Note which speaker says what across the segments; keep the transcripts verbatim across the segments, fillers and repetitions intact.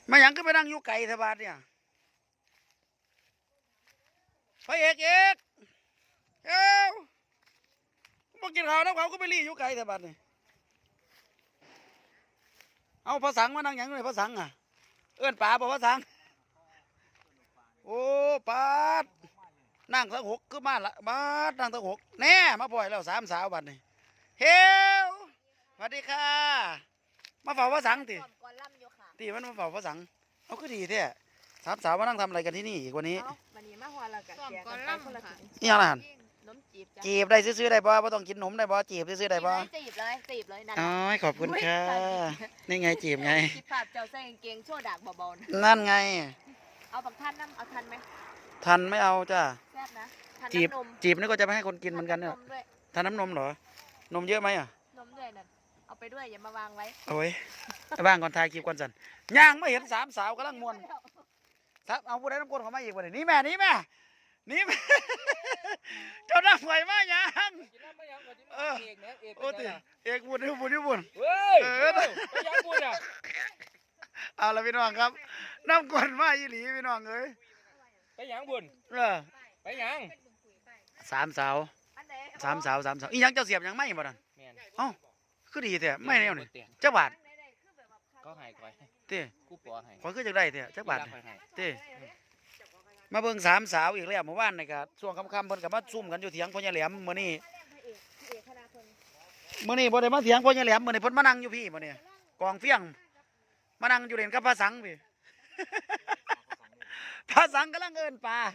Speaker 1: มาหยังก็ไปนั่งอยู่ไก่ทบาทเนี่ยพระเอกเอกเอ้ามากินข้าวน้ำเขาก็ไปรีอยู่ไก่ทบาทเนี่ยเอาพระสังมานั่งหยังเลยพระสังอ่ะเอื้อนป่าบอกพระสังโอ้ปาดนั่งทั้งหกคือมาละบาดนั่งทั้งหกแน่มาปล่อยแล้วสามสาวบัดนี่เฮลสวัสดีค่ะมาเฝ้าพระสังติตีมันมาเฝ้าพระสังเอาก็ดีแท้สามสาวมานั่งทำอะไรกันที่นี่อีกวันนี้
Speaker 2: วันนี้มาหัวเรากันแกกันไปคนละถุง
Speaker 1: นี่อะไรหัน
Speaker 2: นมจีบจ้ะ
Speaker 1: จีบได้ซื้อๆได้บ่ไม่ต้องกินนมได้บ่จีบซื้อๆได้บ่
Speaker 2: จีบเลยจีบเลยนั่น
Speaker 1: อ๋อขอบคุณค่ะนี่ไงจีบไง
Speaker 2: คิดภาพเจ้าใส่กางเกงโชว์ดากเบาๆ
Speaker 1: นั่นไง
Speaker 2: เอาบักท่านน้ำเอาทันไหม
Speaker 1: ทันไม่เอาจ้า
Speaker 2: แซ่บนะ
Speaker 1: จีบจีบนี่ก็จะไม่ให้คนกินเหมือนกันเนี่ยทานน้ำนมเหรอนมเยอะไหมอ่ะ
Speaker 2: นมด้วยนั่นเอาไปด้วยอย่ามาวางไว้
Speaker 1: โอ้ยบ้างก่อนทายคลิปก่อนสันย่างไม่เห็นสามสาวกำลังมวนครับเอาผู้ใดน้ำก้นเขามาอีกวันนี้แม่นี่แม่นี่แม่เจ้าหน้าไหวมายังเออโอ้ติเอกบุญบุญบุญเฮ้ยไปยังบุญอ่ะเอาละพี่น้องครับน้ำก้นมาอีหลีพี่น้องเอ้ย
Speaker 3: ไปยังบุญ
Speaker 1: เออ
Speaker 3: ไปยัง
Speaker 1: สามสาวสามสาวสามสาวอีหยังเจ้าเสียบยังไม่บ่ดันเอ้าคือดีแท้ไม่แนวนี่เจ้าบาท
Speaker 3: ก็หายก่อย
Speaker 1: เต้
Speaker 3: กูปอหาย
Speaker 1: ขอคือจังได้เต้เจ้าบาทเต้มาเบิ่งสามสาวอีกแล้วเมื่อวานนี่ก็ช่วงค่ำๆเพิ่นก็มาซุ่มกันอยู่เถียงพ่อใหญ่แหลมมื้อนี้มื้อนี้บ่ได้มาเถียงพ่อใหญ่แหลมมื้อนี้เพิ่นมานั่งอยู่พี่มื้อนี้กองเฟี้ยงมานั่งอยู่เล่นกับพระสังพี่พระสังกำลังเอิ้นปลา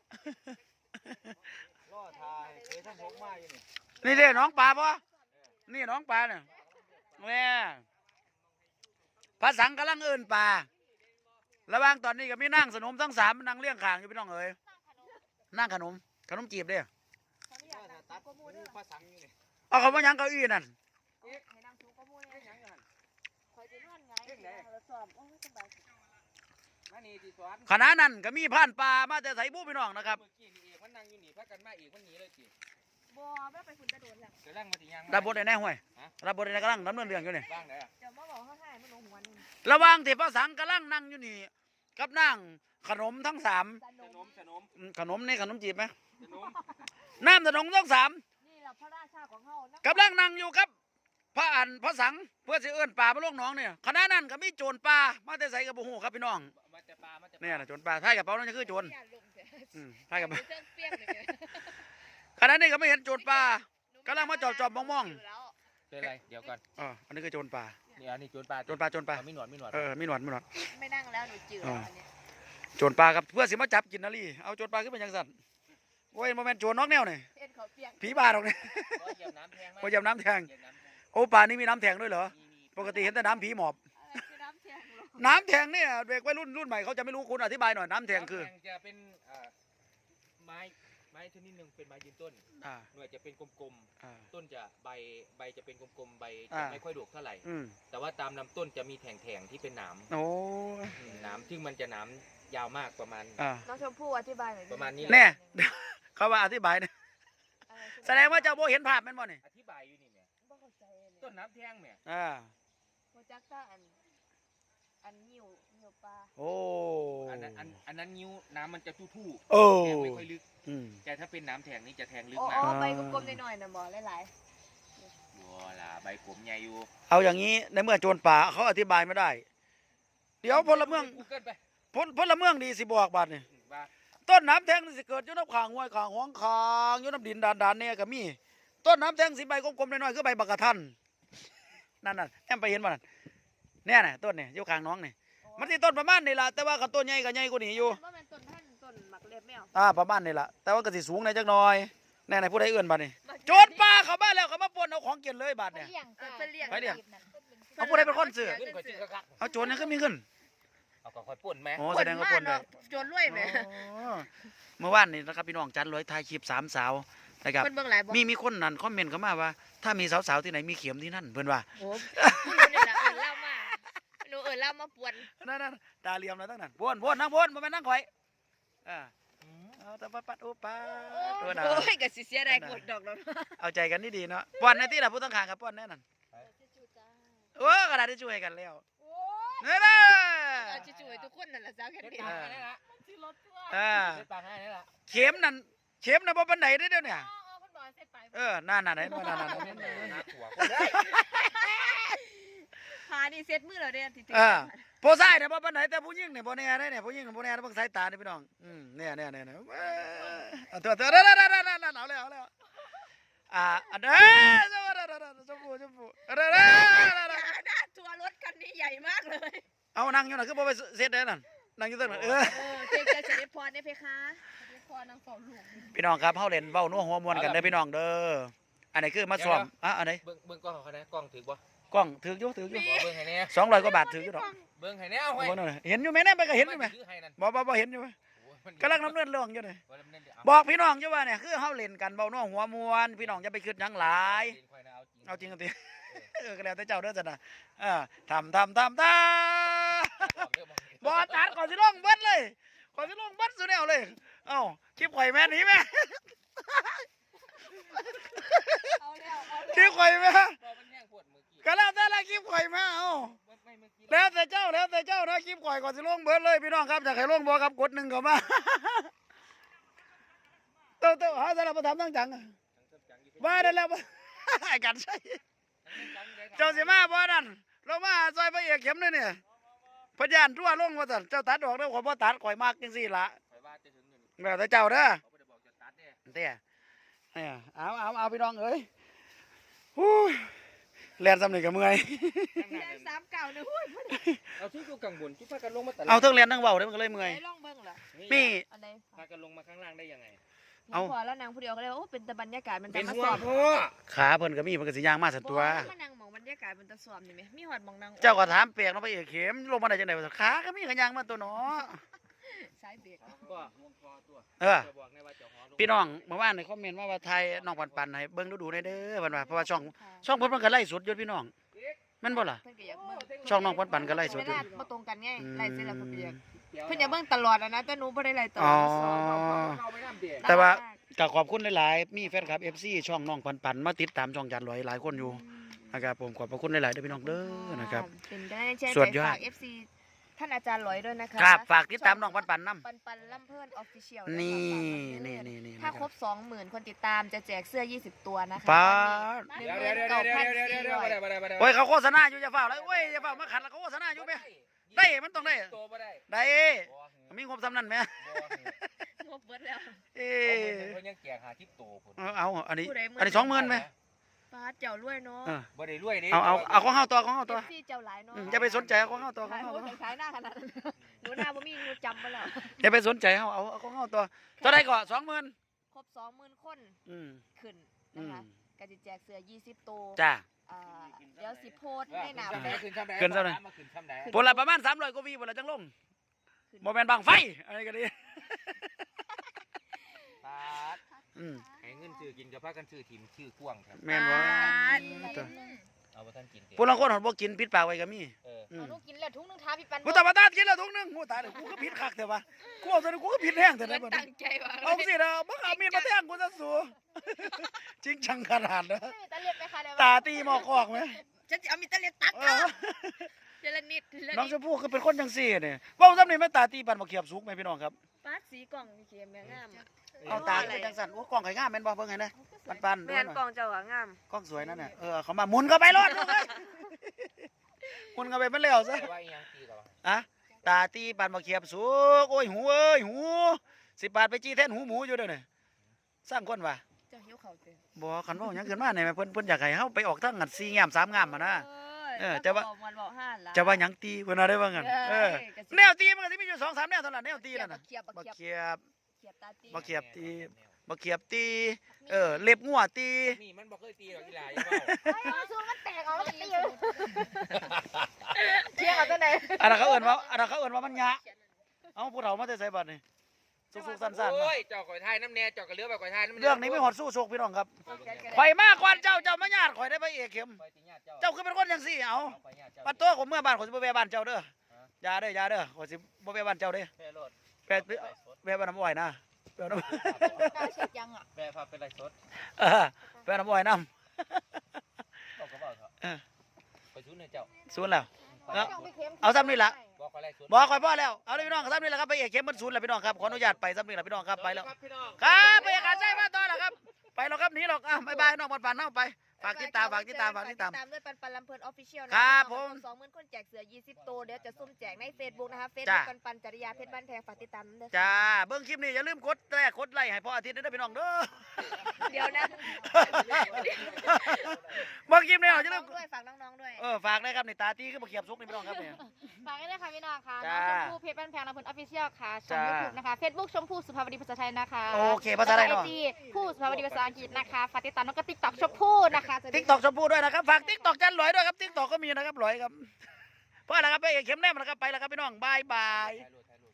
Speaker 3: ล่อทายเคยท่านหกมาอยู่
Speaker 1: นี่นี่เด้น้องปลาป่ะนี่น้องปลาเนี่ยแม่พระสังกำลังเอิ้นปลาระหว่างตอนนี้ก็มีนั่งสนมทั้งสามนั่งเลี้ยงข่างอยู่พี่น้องเอ๋ยนั่งขนมขนมจีบเด้อเอาเขามายังเก้าอี้นั่นขณะนั้นก็มีผ่านปลามาแต่ใส่บู้พี่น้องนะครับ
Speaker 3: มันนั่งอยู่นี่พักกันมาอีกมันหนีเลยจี
Speaker 2: บัวไม่ไปฝุ่นจะโดนแล้ว
Speaker 3: จะร่างมาที่ยัง
Speaker 1: รับบทในแน่ห่วยรับบทในกำลังดำเนินเรื่องอยู่นี่
Speaker 3: บ้างเลย
Speaker 2: เดี๋ยวมาบอกเขาให้มันลงหัวนี่
Speaker 1: ระหว่างที่พระสังกำลังนั่งอยู่นี่กับนั่งขนมทั้งสาม
Speaker 3: ขนมขนม
Speaker 1: ขนมนี่ขนมจีบไหมน้ำขนมทั้งสาม
Speaker 2: นี่แหละพระราชาของเขา
Speaker 1: กำลังนั่งอยู่ครับพระอันพระสังเพื่อสิเอื้อนป่ามาลงน้องเนี่ยขณะนั้นก็มีโจรป่ามาแต่ใส่กระบุหูครับพี่น้องเนี่ยนะโจรป่าท้ายกระเป๋านั่นคือโจรท้ายกระเป๋าขณะนี้ก็ไม่เห็นโจรป่ากำลังมาจอบจอบมองมอง
Speaker 3: เป็นไรเดี๋ยวก่อน
Speaker 1: อ๋ออันนี้คือโจรป่า
Speaker 3: นี่อันนี้โจรป่า
Speaker 1: โจรป่าโจรป่า
Speaker 3: ไม่หนวดไม่หนวด
Speaker 1: เออไม่หนวดไม่หนวด
Speaker 2: ไม่นั่งแล้วหนูจืดอันนี้
Speaker 1: โจรป่าครับเพื่อสิมาจับกินนาลีเอาโจรป่าขึ้นเป็นยังสัตว์โอ้ยโมเมนต์โจรนอกแนวเนี่ยผีบ้าหรอกเนี่ย
Speaker 3: พอเหยียบน้ำแทง
Speaker 1: พอเหยียบน้ำแทงโอ้ป่านี่มีน้ำแทงด้วยเหรอปกติเห็นแต่น้ำผีหมอบน้ำแทงเนี่ยเด็กวัยรุ่นรุ่นใหม่เขาจะไม่รู้คุณอธิบายหน่อยน้ำแทงคือ
Speaker 3: จะเป็นไม้ไม้ชนิดหนึ่งเป็นไม้ยืนต้นหน่วยจะเป็นกลมๆต้นจะใบใบจะเป็นกลมๆใบจะไม่ค่อยดกเท่าไหร่แต่ว่าตามลำต้นจะมีแถงๆที่เป็นหนาม
Speaker 1: โอ้
Speaker 3: หนามซึ่งมันจะหนามยาวมากประมาณ
Speaker 2: น้องชมพู่อธิบายหน่อย
Speaker 3: ประมาณนี้
Speaker 1: แน่เขาว่าอธิบายเนี่ยแสดงว่าเจ้าโบเห็นภาพมันบ่เนี่ย
Speaker 3: อธิบายอยู่นี่เนี่ยต้นน้ำแทงเนี่ย
Speaker 1: อ่า
Speaker 2: โปรจักต้าอันอันนิ้วนิ้วปลา
Speaker 1: โอ้
Speaker 3: อันนั้นอันอันนั้นนิ้วน้ำมันจะทู่
Speaker 1: ๆโอ้
Speaker 3: ไม่ค่อยลึกแต่ถ้าเป็นน้ำแทงนี่จะแทงลึก
Speaker 2: มาก
Speaker 3: อ๋
Speaker 2: อใบกลมๆหน่อยๆนะบ่หลาย
Speaker 3: ๆบัวล่ะใบกลมใหญ่อยู่
Speaker 1: เอาอย่างนี้ในเมื่อโจรป่าเขาอธิบายไม่ได้เดี๋ยวพลเมืองพลพลเมืองดีสิบอกบัดนี่ต้นน้ำแทงสิเกิดอยู่น้ำขางห้วยขางห้องขางอยู่น้ำดินดานดานเนี่ยก็มีต้นน้ำแทงสีใบกลมๆน้อยๆคือใบบักกะทันนั่นน่ะแอมไปเห็นมันเนี่ยน่ะต้นเนี่ยอยู่ขางน้องเนี่ยมันที่ต้นประมาณนี่แหละแต่ว่ากับต้นใหญ่กับใหญ่กว่านี้อยู่
Speaker 2: ต้นท่านต้นหมักเล็บแมว
Speaker 1: อ่าประมาณนี่แหละแต่ว่าก็สิสูงในจักหน่อยแน่ๆผู้ใดเอื้อนบัดนี่โจรป่าเขาบ้านแล้วเขามาปนเอาของกินเลยบัดเนี่ยไปเดี๋ยวเอาผู้ใดเป็นคนซื้อเอาโจรนี่ก็มีขึ้น
Speaker 3: เอาก็ค่อยป่นไหม
Speaker 1: โอ้แสดงว่าป่นเลย
Speaker 2: โจรรวยไหม
Speaker 1: เมื่อวานนี่นะครับพี่น้องจันรวยถ่ายคลิปสามสาวนะครับมีมีคนนั่นคอมเมนต์เข้ามาว่าถ้ามีสาวๆที่ไหนมีเข็มที่นั่นเพื่อนว่า
Speaker 2: โอ้หนูเนี่ยเอิญเล่ามาหนูเอิญเล่ามาปวน
Speaker 1: นั่นนั่นตาเหลี่ยมแล้วตั้งนั้นปวนปวนนั่งปวนมาเป็นนั่งข่อยอ่าเอาแต่ปัดปัดโอ้ป้า
Speaker 2: ตัวน่ะโอ้ยกับสิเสียได้กดดอกแล้ว
Speaker 1: เอาใจกันดีๆเนาะปวนในที่เราพูดต้องขางกับปวนแน่นอนโอ้กระดาษที่ช่วยกันแล้ว
Speaker 2: เนี่ยนะ
Speaker 1: เ
Speaker 2: นั่นแหละสาวแค่
Speaker 3: เฮ็ด
Speaker 2: นี้
Speaker 3: ปากให้นี่ละ
Speaker 2: มันสิรถตัว
Speaker 1: อ่า
Speaker 3: เฮ็ดปากให้นี่ละ
Speaker 1: เข็มนั่นเข็มน่ะบ่ปานใดเด้อเดี๋ยวเนี่ย
Speaker 2: อ๋อๆเพิ่นบอกให้เสร็จไป
Speaker 1: เออนั่นน่ะไหนนั่นน่ะนั่น
Speaker 3: เฮ็ด
Speaker 1: น่ะ
Speaker 3: หน้าขัวคนเด้อ
Speaker 2: หานี่เซ็ตมือแล้วเด้อติดๆ
Speaker 1: เออผู้ชายเนี่ยบ่ปานไหนแต่ผู้หญิงเนี่ยบ่แน่ได้เนี่ยผู้หญิงบ่แน่เบิ่งสายตานี่พี่น้องอืมเนี่ยเนี่ยเนี่ยเนี่ยเออเอาตัวตัวนั่นนั่นนั่นนั่นเอาแล้วเอาแล้วอ่าอันเด้อชมพูชมพูเด้อเด้อ
Speaker 2: หน้าทัวร์รถคันนี้ใหญ่มากเลย
Speaker 1: เอานั่งอยู่น่ะคือบ่ไปเซ็ตได้นั่นนั่งอยู่ตรงนั้นเออ
Speaker 2: เออเจ๊จะเสด็จพรได้เพคะเสด็จพรนางเฝ้าลูก
Speaker 1: พี่น้องครับเฮาเล่นเว้านัวหัวมวนกันเด้อพี่น้องเด้ออันไหนคือมาซ้อมอ่ะอันไหน
Speaker 3: เบิ่งเบิ่งกล้องเขานะกล้องถือบ่
Speaker 1: กล้องถืออยู่ถืออยู่
Speaker 3: บ่เบิ่งให้แน่
Speaker 1: สองร้อยกว่าบาทถืออยู่ดอก
Speaker 3: เบิ่งให้แน่เอาไว้
Speaker 1: บ่นั่นน่ะเห็นอยู่ไหมเนี่ยไปก็เห็นอยู่ไหม
Speaker 3: ถือให้นั่น
Speaker 1: บ่บ่บ่เห็นอยู่ไหม
Speaker 3: โอ้ยมัน
Speaker 1: กำลังดำเนินเรื่องอยู่นี่
Speaker 3: บ่ดำเนินเดี๋ยว
Speaker 1: บอกพี่น้องอยู่ว่าเนี่ยคือเฮาเล่นกันเบาน้องหัวมวนพี่น้องอย่าไปคิดหยังหลาย
Speaker 3: เล่นค่อยนะเอาจริง
Speaker 1: เอาจริงกันติเออก็แล้วแต่เจ้าเด้อจ้ะนะเออทำทำทำทำบ่ตัดก่อนสิลงเบิดเลยก่อนสิลงเบิดสุดแนวเลยเอ้าคลิปข่อยแม่หนีแม่
Speaker 2: เอาแล้วเอา
Speaker 1: คลิปข่อยแม่
Speaker 3: บ่มันแห้งปวดมือกี้
Speaker 1: ก็แล้วแต่ละคลิปข่อยแม่เอ้า
Speaker 3: ไม่เมื่อกี้
Speaker 1: แล้วแต่เจ้าแล้วแต่เจ้านะคลิปข่อยก่อนสิลงเบิดเลยพี่น้องครับอยากให้ลงบ่ครับกดหนึ่งเข้ามาเต้าเต้าหาสารพัดทำตั้งจังบ้าได้แล้วบ่ไอ้กันใช่ เจ้าสิมาบ่นั่นลงมาซอยพระเอกเข็มเลยเนี่ยพยานทั่วลงว่าซั่นเจ้าตัดออกแล้วข่อยบ่ตัดข่อยมักจังซี่ล่ะ
Speaker 3: ข่อยว่าจะถึงอยู่นี่
Speaker 1: แล้วแต่เจ้าเด้อ
Speaker 3: เขาบ่ได้บอกจะตัดเด้
Speaker 1: เตี้ยเนี่ยเอาเอาเอาพี่น้องเอ้ยฮู้แล่นซ้ำนี่ก็เมื่อย
Speaker 3: ข้างหน้า
Speaker 2: แค่
Speaker 3: นั่น
Speaker 2: สามเก่าเนี่ยหุ้ย
Speaker 3: เอาที่อยู่กลางบนที่พากันลงมาตลาด
Speaker 1: เอาเทั้งเรียนทั้งเว้าเด้อมันก็เลยเมื่อย
Speaker 2: ไอ้ล่องเบิ้งเหรอ
Speaker 1: มี
Speaker 2: อันใด
Speaker 3: พากันลงมาข้างล่างได้ยังไง
Speaker 1: เอา
Speaker 2: พอแล้วนางผู้เดียวก็เลยว่าโอ้เป็นแต่บรรยากาศมัน
Speaker 3: เป็
Speaker 2: ตะ
Speaker 3: น
Speaker 2: มา
Speaker 3: หั
Speaker 2: ส
Speaker 3: ว
Speaker 2: อบ
Speaker 3: พ่อ
Speaker 1: ขาเพิ่นก็มีเพิ่นก็สิย่างมาสั่นตัว
Speaker 2: บ่แล้วมานั่งหมองบรรยากาศมันตะสอบนี่ไหมมีหอดหมองนาง
Speaker 1: เจ้าก็ถามเปียกเนาะพระเอกเข็มลงมาได้จังได๋ว่าซั่นขาก็มีก็ย่างมาตัวเนาะ
Speaker 2: สายเบรก
Speaker 3: ก็ห่วงคอตัว
Speaker 1: เออ
Speaker 3: จะบอกในว่าเจ้าหอลง
Speaker 1: พี่น้องเมื่อวานในคอมเมนต์ว่าว่าไทยน้องปันๆให้เบิ่งดูๆได้เด้อเพิ่นว่าเพราะว่าช่องช่องเพิ่นมันก็ไล่สดอยู่พี่น้องแม่นบ่ล่ะ
Speaker 2: เพิ่นก็อยากเบิ่ง
Speaker 1: ช่องน้องปันๆก็ไล่สด
Speaker 2: เว
Speaker 1: อยู่
Speaker 2: ลาบ่ตรงกันไง
Speaker 1: อืม
Speaker 2: ไล่เสร็จแล้วเพิ่นก็อยากเพิ่นอยากเบิ่งตลอดอะนะแต่หนูบ่ได้ไล่ตล
Speaker 1: อ๋
Speaker 2: อ
Speaker 1: อ
Speaker 2: ดสอน
Speaker 3: เอาไปน้ำเดีย
Speaker 1: แต่ว่า ก็ขอบคุณหลายๆ มีแฟนคลับ เอฟ ซี ช่องน้องปันๆมาติดตามช่องจันลอยหลายคนอยู่นะครับผมขอบพระคุณหลายๆเด้อพี่น้องเด้อนะครับ
Speaker 2: เป็นกำลังใจ
Speaker 1: สุดยอด
Speaker 2: ฝาก เอฟ ซี ท่านอาจารย์หลอยด้วยนะคะ
Speaker 1: ครับฝากติดตามน้องปันๆนำ
Speaker 2: ปันปันลำเพิ่นออฟฟิเชียล
Speaker 1: นี่นี่นี่นี่
Speaker 2: ถ้าครบ สองหมื่น คนติดตามจะแจกเสื้อ ยี่สิบ ตัวนะคะ
Speaker 1: ป้าด
Speaker 2: หนึ่ง
Speaker 3: เดี๋ยว
Speaker 2: ห
Speaker 3: เดี๋
Speaker 2: มื่
Speaker 3: ยวน เดี๋ยว
Speaker 2: เก้า
Speaker 3: เดี๋ยว
Speaker 2: พัน
Speaker 3: เดี๋ยว
Speaker 2: สี่
Speaker 3: เดี๋ยว
Speaker 2: ร้อย
Speaker 3: เดี๋ยวเดี๋ยวเดี๋ยว
Speaker 1: โอ้ยเขาโฆษณาอยู่อย่าเฝ้าเลยโอ้ยอย่าเฝ้ามาขัดแล้วเขาโฆษณาอยู่แม่ได้มันต้องได้
Speaker 3: ตัวบ่ได้
Speaker 1: ได้
Speaker 3: บ่
Speaker 1: มีงบซ้ำนั่นแม่
Speaker 3: บ่
Speaker 2: งบเบิดแล้ว
Speaker 1: เอ้
Speaker 3: เพิ่นยังแจกหาทิปโตพุ่น
Speaker 1: เอาเอาอันนี้
Speaker 2: ผู้ใดมื้อ
Speaker 1: อันนี้สองหมื่นไหม
Speaker 2: ป้าดเจ้ารวยเนาะ
Speaker 1: เออ
Speaker 3: บ่ได้รวยดิ
Speaker 1: เอาเอาเอาของเฮาตัวของเฮา
Speaker 2: เอ
Speaker 1: ตัว
Speaker 2: ฟซีเจ้าหลายเนาะ
Speaker 1: อืมอย่าไปสนใจเอาของเฮาตัวของ
Speaker 2: ขาย
Speaker 1: เฮา
Speaker 2: โอ้
Speaker 1: ตัวย
Speaker 2: ขายหน้าขนาดนั้นหนูหน้าบ่มีหนูจำมาแล้ว
Speaker 1: อย่าไปสนใจเฮาเอาเอาของเฮาตัวตัวใดก่อนสองหมื่น
Speaker 2: ครบ สองหมื่น คน
Speaker 1: อืม
Speaker 2: ขึ้น
Speaker 1: อื
Speaker 2: นะ
Speaker 1: ม
Speaker 2: คะก็จะแจกเสื้อ ยี่สิบ ตัว
Speaker 1: จ้า
Speaker 2: อ่าเดี๋ยวสิโพสต์ให้หนา
Speaker 3: ขึ้น
Speaker 2: เฟ
Speaker 3: ซ้ำใด
Speaker 2: ซ
Speaker 3: ขึ้นซ้ำใด
Speaker 1: ขึ้นซ้ำใด
Speaker 3: มาขึ้นซ้ำใด
Speaker 1: ผลละประมาณสามร้อยกว่าวีผลละจังลงโมเมนต์บางไฟอะไรกันดี
Speaker 3: ปาด
Speaker 1: อืม
Speaker 3: ให้เงินซื้อกินกับพากันซื้อถิ่มชื่อกว้างครับ
Speaker 1: แม่นว่า
Speaker 3: เอาบ่ทันกินเด้
Speaker 1: พวกเราคนหอดบ่กินปิดปากไว้ก็มี
Speaker 3: เออ
Speaker 1: อืม
Speaker 2: เอาลูกกินแล้วทุกนึงท้าพี่ปัน
Speaker 1: กูตาบาตากินแล้วทุกนึงกูตายเลยกูก็ผิดคักแต่ว่ากูเอาซะกูก็ผิดแห้งแต่
Speaker 2: เหมื
Speaker 1: ได้
Speaker 2: อน
Speaker 1: บ่
Speaker 2: ตั้งใจว่า
Speaker 1: เอาสินะบ่เอามีดมาแทงกูซะสูจริงจังขนาดนะ
Speaker 2: ไม่มีตาเลียบไปค่ะเดี๋ยว
Speaker 1: ตาตีหมอกคอกไหม
Speaker 2: ฉันจะเอามีตาเลียบตัก
Speaker 1: เอ
Speaker 2: อ่ะ
Speaker 1: อ
Speaker 2: เจรนิดเจร
Speaker 1: น้อง
Speaker 2: นิด
Speaker 1: ชมพู่คือเป็นคนจังซี่นี่เว้าซ้ำนี่แม่ตาตีปันบ่เขียบสุกไหมพี่น้องครับ
Speaker 2: ป้าดสีกล่องมีเขียมแม่งาม
Speaker 1: เอาตาเป็นจังสั่นโอ้กล้องไข่งามแม่นบ่เบิ่งให้นะปันๆดู
Speaker 2: แม่น
Speaker 1: หน่อย
Speaker 2: กล่องเจ้าอะงาม
Speaker 1: กล้องสวยนั่นน่ะเออเขามาหมุนเข้าไปรอดลูกเอ้ยหมุนเข้าไปมันแล้วซะ
Speaker 3: แต่ว่าอีหยังตีกับว่า
Speaker 1: อะตาตีปานมาเขียบสุกโอ้ยหูเอ้ยหูสิบบาทไปจี้แทนหูหมูอยู่เด้อเนี่ยสร้างคนว่ะ
Speaker 2: เจ้าหิวข้าวเต็ม
Speaker 1: บ่คันเว้าหยังขึ้นมาเนี่ยเพิ่นเพิ่นอยากให้เฮาไปออกทางงัดสี่งามสามงามมานะ เออแต่ว่า
Speaker 2: บอกมันบอกห้าล้าน
Speaker 1: จะว่าหยังตีเพิ่นว่าได้ว่างั้นเออ
Speaker 2: ก็สิ
Speaker 1: แนวตีมันก็สิมีอยู่สองสามแนวเท่านั้นแนวตีนั่นน่ะ
Speaker 2: เขียบ
Speaker 1: บ่
Speaker 2: เขียบ
Speaker 1: เขียบ
Speaker 2: เขียบตาตี
Speaker 1: บ่เขียบตี บ่เขียบตีเออเล็บงัวตี
Speaker 3: นี่มันบ่เคยตีหรอกอีหลาอย่าเว้า
Speaker 2: เฮ้ยเอาสูงมันแตกออกแล้วก็ตีอยู่เที่ยงเอาตัวไหน
Speaker 1: อันนั้นเขาเอิ้นว่าอันนั้นเขาเอิ้นว่ามันยะเอ้าผู้เฒ่ามาแต่ไสบัดนี่สุกๆสั้นๆ
Speaker 3: โอ้
Speaker 1: มาย
Speaker 3: เจ้าก่อยทายน้ำแน่เจ้าก็เหลือแบบก่อยทายน้ำแ
Speaker 1: เรื่องนี้มีหอดสู้โชคพี่น้องครับ
Speaker 2: ไป
Speaker 1: ข่อยมาก่อนเจ้าเจ้ามาญาติข่อยได้ไปเอกเข็ม
Speaker 3: ข่อยสิญาติเจ้า
Speaker 1: เจ้าคือเป็นคนจังซี่เอา
Speaker 3: เอาไปญาติเจ้า
Speaker 1: ปัดโตผมเมื่อบ้านข่อยสิบ่แวะบ้านเจ้าเด้ออย่าเด้ออย่าเด้อข่อยสิบ่แวะบ้านเจ้าเด้อ
Speaker 3: แม่โลด
Speaker 1: แวะแวะบ้านน้ำอ้อยนะแวะน้ำ
Speaker 2: กล้าเช็ดยังอ่ะ
Speaker 3: แม่พาเป็นไรสด
Speaker 1: เออแวะน้ำอ้อยน้
Speaker 3: บอกก็บอกเถอะ
Speaker 1: เออ
Speaker 3: ไปชู้ในเจ้า
Speaker 1: ำศูนย์แล้ว
Speaker 3: เอา
Speaker 1: เอาซ้ำนี่ล่ะ
Speaker 3: บอกขอไล่สด
Speaker 1: บอกคอยพ่อแล้วเอาเลยพี่น้องซ้ำนี่แหละครับไปเอกเข้มมันศูนย์แหละพี่น้องครับขออนุญาตไปซ้ำนี่แหละพี่น้องครับไปแล้ว
Speaker 3: พี่น้อง
Speaker 1: ครับไปเอกการใช่มาต่อแล้วครับไปแล้วครับหนีหรอกอ่ะบายบายน้องบอลปานน้องไปฝากติดตามฝากติดตามฝากติดตาม
Speaker 2: ตามด้วยปันปันลำเพลินออฟฟิเชียล
Speaker 1: ครับผม
Speaker 2: สองหมื่นคนแจกเสือยี่สิบตัวเดี๋ยวจะซุ่มแจกในเฟซบุ๊กนะคะเฟซ
Speaker 1: จ้า
Speaker 2: บุ๊กปันปันจริยาเพชรบ้านแพงฝากติดตามด้วย
Speaker 1: จ้าเบิ้งคลิปนี้อย่าลืมกดแรกกดไลค์ให้พ่ออาทิตย์ด้วยนะพี่น้องเด้อ
Speaker 2: เดี๋ยวนะ
Speaker 1: เบิ้งคลิปนี้
Speaker 2: ฝาก
Speaker 1: อย่า
Speaker 2: น้
Speaker 1: ลื
Speaker 2: อ
Speaker 1: ม
Speaker 2: งด้วยฝากน้องๆด้วย
Speaker 1: เออฝากนะครับในตาตีขึ้นมาเขียบซุกนี่พี่น้องครับเนี่ย
Speaker 2: ฝากด้วยค่ะพี่น้องค่ะ
Speaker 1: จ้า
Speaker 2: น้องชมพู่เพชรบ้านแพงลำเพลินออฟฟิเชียลค่ะช่อง
Speaker 1: จ้า
Speaker 2: ยูทูบนะคะเฟซบุ๊กชมพู่สุภาวดีภาษาไทยนะคะ
Speaker 1: โอเคภาษาไทย
Speaker 2: ไอ
Speaker 1: เนาะ
Speaker 2: จีผู้สุภาวดีภาษาอังกฤษนะคะฝากติดตามน้องก็ติ๊กต็อกชมพู่นะคะจะได้
Speaker 1: ติ๊กตอกชมพู่ด้วยนะครับฝากติ๊กตอกจันหลอยด้วยครับติ๊กตอกก็มีนะครับหลอยครับเพราะอะไรครับไปเอกเข้มแนมนะครับไปแล้วครับพี่น้องบายบาย
Speaker 3: ถ่ายรูป